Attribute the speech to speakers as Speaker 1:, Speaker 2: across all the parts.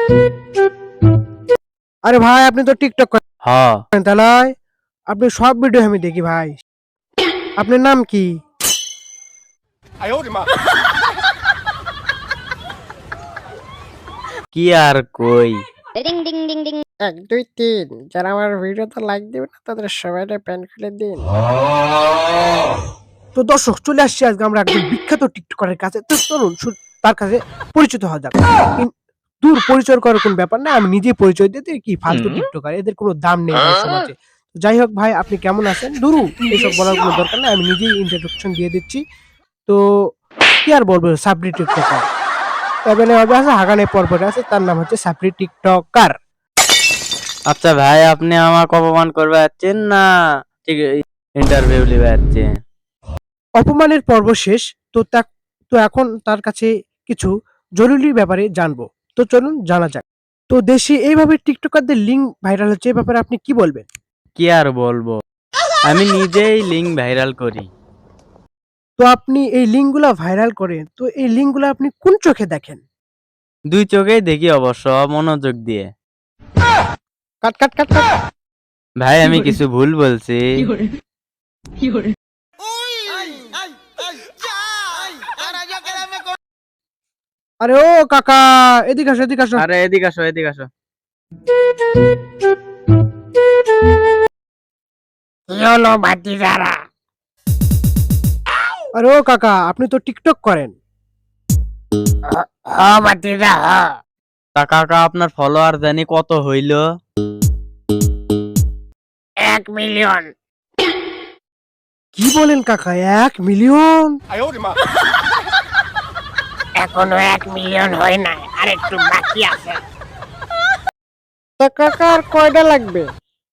Speaker 1: আরে ভাই আপনি তো টিকটক
Speaker 2: হ্যাঁ।
Speaker 1: করেন তাই নয়? আপনি সব ভিডিও আমি দেখি ভাই। আপনার নাম কি?
Speaker 2: কি আর কই।
Speaker 1: 1 2 3 যারা আমার ভিডিওতে লাইক দিবে না তাদের সবাইকে প্যান্ট খুলে দিন। তো দর্শক চলে আসছি আজকে আমরা একজন বিখ্যাত টিকটকারের কাছে। তো চলুন তার কাছে পরিচিত হওয়া যাক। দূর পরিচয় করার কোন ব্যাপার না, আমি নিজেই পরিচয় দিতে কি ফালতু টিকটকার, এদের কোনো দাম নেই ভাই সমাজে। যাই হোক ভাই আপনি কেমন আছেন? দুরু এসব বলার কোনো দরকার নাই, আমি নিজেই ইন্ট্রোডাকশন দিয়ে দিচ্ছি। তো কি আর বলবো, সাবরি টিকটকার এবেলে হবে আছে হাগানে পর্বতে আছে, তার নাম হচ্ছে সাবরি টিকটকার।
Speaker 2: আচ্ছা ভাই, আপনি আমাকে অপমান করবে যাচ্ছেন না ঠিক ইন্টারভিউ নিবে যাচ্ছেন?
Speaker 1: অপমানের পর্ব শেষ। তো এখন তার কাছে কিছু জরুরি ব্যাপারে জানবো। তো চলুন জানা যাক। তো দেশে এইভাবে টিকটকারদের লিঙ্ক ভাইরাল হচ্ছে, এই ব্যাপারে আপনি কি বলবেন?
Speaker 2: কি আর বলবো, আমি নিজেই লিঙ্ক ভাইরাল করি।
Speaker 1: তো আপনি এই লিঙ্কগুলা ভাইরাল করেন, তো এই লিঙ্কগুলা আপনি কোন চোখে দেখেন?
Speaker 2: দুই চোখেই দেখি অবশ্য, মনোযোগ দিয়ে।
Speaker 1: কাট কাট কাট কাট।
Speaker 2: ভাই আমি কিছু ভুল বলছি?
Speaker 1: আরে ও কাকা, এদিকে আসো এদিকে আসো।
Speaker 2: আরে এদিকে আসো, এদিকে আসো।
Speaker 1: আরে ও কাকা, আপনি তো টিকটক করেন।
Speaker 2: তা কাকা আপনার ফলোয়ার জানি কত হইল?
Speaker 3: 1 মিলিয়ন।
Speaker 1: কি বলেন কাকা, 1 মিলিয়ন?
Speaker 3: এখনো 1 মিলিয়ন হয় নাই, আর একটু বাকি আছে।
Speaker 1: তা কাকা আর কয়টা লাগবে?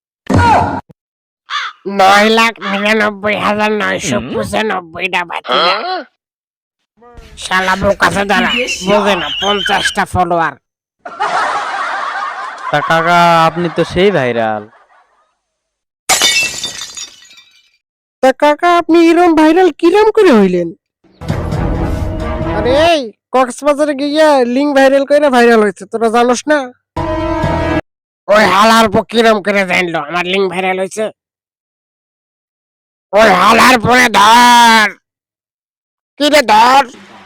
Speaker 3: 9,99,995টা বাকি। শালা বোকাচোদা দাঁড়া, বোঝে না 50টা ফলোয়ার।
Speaker 2: তা কাকা আপনি তো সেই ভাইরাল।
Speaker 1: তা কাকা আপনি এরকম ভাইরাল কিরম করে হইলেন? আরে এই কক্সবাজারে গিয়া লিঙ্ক ভাইরাল কইরা ভাইরাল হইছে, তোরা জানোস না?
Speaker 3: ওই হালার পর কিরম করে জানলো আমার লিঙ্ক ভাইরাল হয়েছে? ওই হালার পরে ধর, কি রে ধর।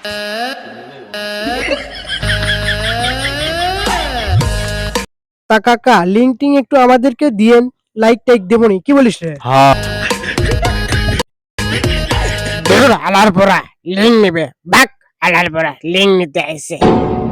Speaker 1: তা কাকা লিঙ্ক টিং একটু আমাদেরকে দিয়েন, লাইক টাইক দেবনি, কি বলিস রে?
Speaker 2: হ্যাঁ।
Speaker 3: হালার পরা লিঙ্ক নিবে, বাক হালার পরা লিঙ্ক নিতে আইছে।